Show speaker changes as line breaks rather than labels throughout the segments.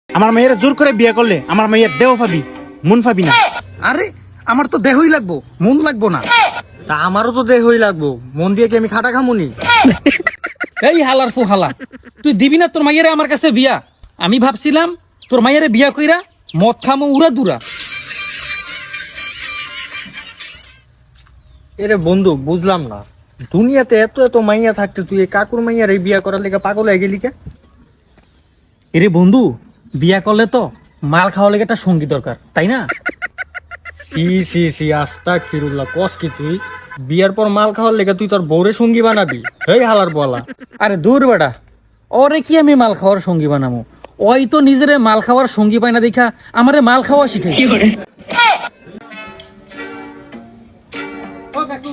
আমার মেয়ের জোর করে বিয়ে করলে আমার মেয়ের দেহ পাবি, মন পাবি না।
আরে আমার তো দেহই লাগবো, মন লাগবো না।
তা আমারও তো দেহই লাগবো, মন দিয়ে কি আমি খাটা খামুনি?
এই হালার ফু হালা, তুই দিবি না তোর মাইয়ারে আমার কাছে বিয়া? আমি ভাবছিলাম তোর মাইয়ারে বিয়া কইরা মদ খামো উড়া দুরা।
এরে বন্ধু, বুঝলাম না, দুনিয়াতে এত এত মাইয়া থাকতে তুই এই কাকুর মাইয়ার এই বিয়া করার লেগে পাগল হয়ে গেলি কে?
এরে বন্ধু, বিয়া করলে তো মাল খাওয়া লেগে একটা সঙ্গী দরকার, তাই না?
সি সি সি, আস্তাক ফিরুল্লাহ, কস কি তুই? বিয়ার পর মাল খাওয়ার লেগে তুই তোর বউরে সঙ্গী বানাবি? এই হালার বলা।
আরে দূর বেটা, ওরে কি আমি মাল খাওয়ার সঙ্গী বানাবো? ওই তো নিজেরে মাল খাওয়ার সঙ্গী পায় না দেখা আমারে মাল খাওয়া শিখাই। ও কাকু,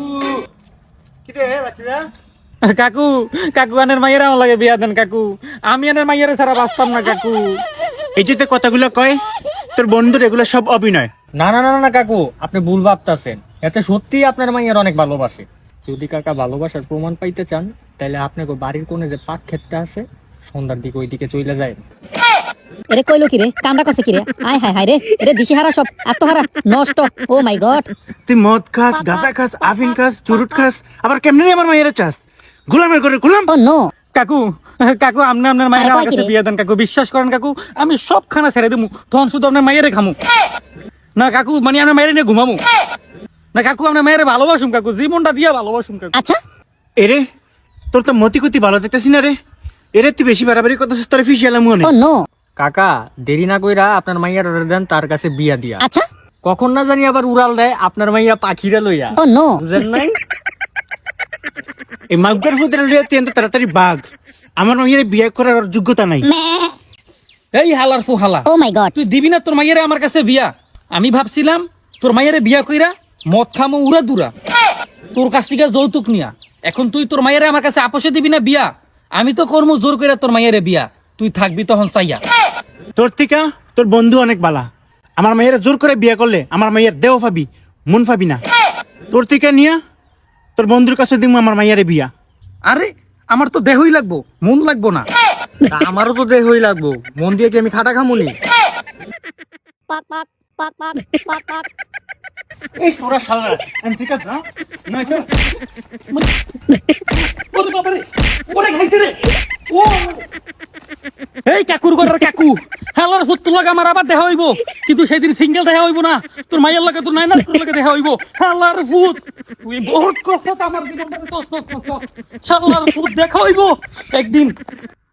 কাকু, কাকু আনের মাইয়ারে আমার লাগে বিয়া দেন কাকু। আমি আনের মাইয়ারে ছাড়া বাঁচতাম না কাকু।
এই যে তুই কথাগুলো কয় তোর বন্ধুর, এগুলো সব অভিনয়।
না না না না কাকু, আপনি ভুল ভাবতেছেন। এতে সত্যি আপনার মাইয়ার অনেক ভালোবাসে। যদি কাকা ভালোবাসার প্রমাণ পাইতে চান, তাহলে আপনাকে বাড়ির কোণে যে পাক ক্ষেতটা আছে, সন্ধ্যার দিকে ওই দিকে চলে যায়।
এরে কইলো কি রে, কামড়া কছে কি রে? আয় হায় হায় রে, এরে দিশেহারা সব আত্মহারা নষ্ট। ও মাই গড,
তুই মদ খাস, গাঁজা খাস, আফিন খাস, চুরুট খাস, আবার কেমনে আমার মায়ের চাস? গোলামের করে গোলাম।
ও নো।
কাকু, কাকু আপনি আপনার মায়ের আমার কাছে বিয়া দেন কাকু। বিশ্বাস করেন কাকু, আমি সব খানা ছেড়ে দেবো, তখন শুধু আপনার মায়েরে খামু। না কাকু, মানে আপনার মায়েরে নিয়ে ঘুমামু। না কাকু, আপনার মায়েরে ভালোবাসুম কাকু, জীবনটা দিয়া ভালোবাসুম কাকু।
আচ্ছা,
এরে তোর তো মতিকুতি ভালো দেখতেছি না রে। এরে তুই বেশি বাড়াবাড়ি কথা তোর ফিসিয়ালাম মনে।
Oh no.
কাকা, দেরি না কইরা আপনার মাইয়ার অর্ডার দেন, তার কাছে বিয়া দিয়া।
আচ্ছা,
কখন না জানি আবার উড়াল দেয় আপনার মাইয়া পাখিরা লইয়া।
Oh no.
বুঝেন নাই?
এই মাগুর ফুদের লিয়ে তুই এত তাড়াতাড়ি বাঘ। আমার মেয়ের বিয়ে করার যোগ্যতা নাই।
এই হালার ফু হালা,
ও মাই গড,
তুই দিবি না তোর মাইয়ারে আমার কাছে বিয়া? আমি ভাবছিলাম তোর মাইয়ারে বিয়া কইরা মদ খামো উড়া দুরা, তোর কাছ থেকে যৌতুক নিয়া। এখন তুই তোর মাইয়ারে আমার কাছে আপোষে দিবি না বিয়া? আমি তো কর্ম জোর কইরা তোর মাইয়ারে বিয়া, তুই থাকবি তখন চাইয়া।
তোর থেকে তোর বন্ধু অনেক বালা। আমার মেয়ের জোর করে বিয়ে করলে আমার মেয়ের দেহ পাবি, মন পাবি না। তোর থেকে নিয়া তোর বন্ধুর কাছে দিব আমার মাইয়ারে বিয়া।
আরে আমার তো দেহই লাগবো, মন লাগবো না।
তা আমারও তো দেহই লাগবো, মন দিয়ে কি আমি খাটা খামুনি?
পাক পাক পাক পাক পাক পাক।
এই সোরা শালা ঠিক আছে না? নয়তো ওরে বাবা রে, ওরে খাইতে রে। ও
এই কাকুর ঘরের কাকু, হালার ফুত্তুর লাগা আমার আবার দেখা হইব, কিন্তু সেদিন সিঙ্গেল দেখা হইব না। তোর মাইয়ার লাগে, তোর নাইনার লাগে দেখা হইব। হালার ফুত, তুই বহুত কষ্ট আমার জীবনটাকে তছনছ করছ। শালার ফুত দেখা হইব একদিন।